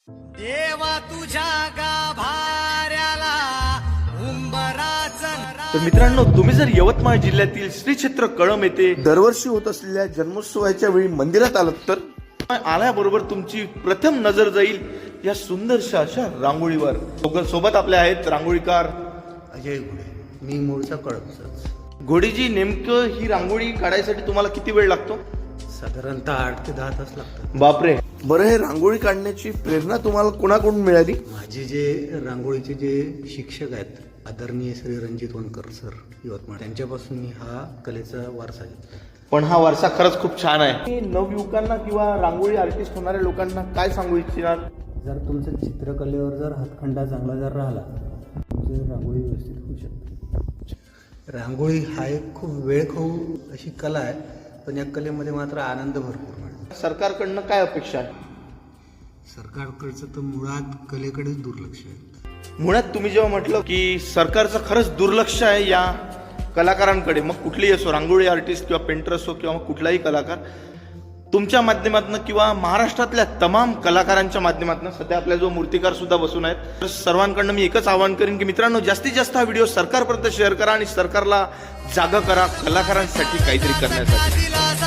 देवा तुझ्या गाभाऱ्याला उंबराचं तर मित्रांनो, तुम्ही जर यवतमाळ जिल्ह्यातील श्री क्षेत्र कळंब येथे दरवर्षी होत असलेल्या जन्मोत्सवाच्या वेळी मंदिरात आलात तर आल्याबरोबर तुमची प्रथम नजर जाईल या सुंदरशा अशा रांगोळीवर. सोबत आपले आहेत रांगोळीकार अजय घोडे. मी मूळचा कळंबचाच. घोडीजी, नेमकं ही रांगोळी काढायसाठी तुम्हाला किती वेळ लागतो? साधारणतः 8 ते 10 तास लागतात. बापरे. बरं, हे रांगोळी काढण्याची प्रेरणा तुम्हाला कोणाकडून मिळाली? माझे जे रांगोळीचे जे शिक्षक आहेत, आदरणीय श्री रणजित वनकर सर यवतमाळ, त्यांच्यापासून मी हा कलेचा वारसा घेतला. पण हा वारसा खरंच खूप छान आहे. नवयुवकांना किंवा रांगोळी आर्टिस्ट होणाऱ्या लोकांना काय सांगू इच्छिणार? जर तुमचं चित्रकलेवर जर हातखंडा चांगला जर राहिला, तुमची रांगोळी व्यवस्थित होऊ शकते. रांगोळी हा एक खूप वेळखाऊ अशी कला आहे, पण या कलेमध्ये मात्र आनंद भरपूर मिळतो. सरकारकडनं काय अपेक्षा आहे? सरकारकडचं तर मुळात कलेकडेच दुर्लक्ष आहे. मुळात तुम्ही जेव्हा म्हटलं की सरकारचं खरंच दुर्लक्ष आहे या कलाकारांकडे, मग कुठलीही असो, रांगोळी आर्टिस्ट किंवा पेंटर असो किंवा मग कुठलाही कलाकार, तुमच्या माध्यमातून किंवा महाराष्ट्रातल्या तमाम कलाकारांच्या माध्यमातून, सध्या आपल्या जो मूर्तिकार सुद्धा बसून आहेत, तर सर्वांकडनं मी एकच आवाहन करेन की मित्रांनो, जास्तीत जास्त हा व्हिडिओ सरकारपर्यंत शेअर करा आणि सरकारला जागा करा कलाकारांसाठी काहीतरी करण्यासाठी.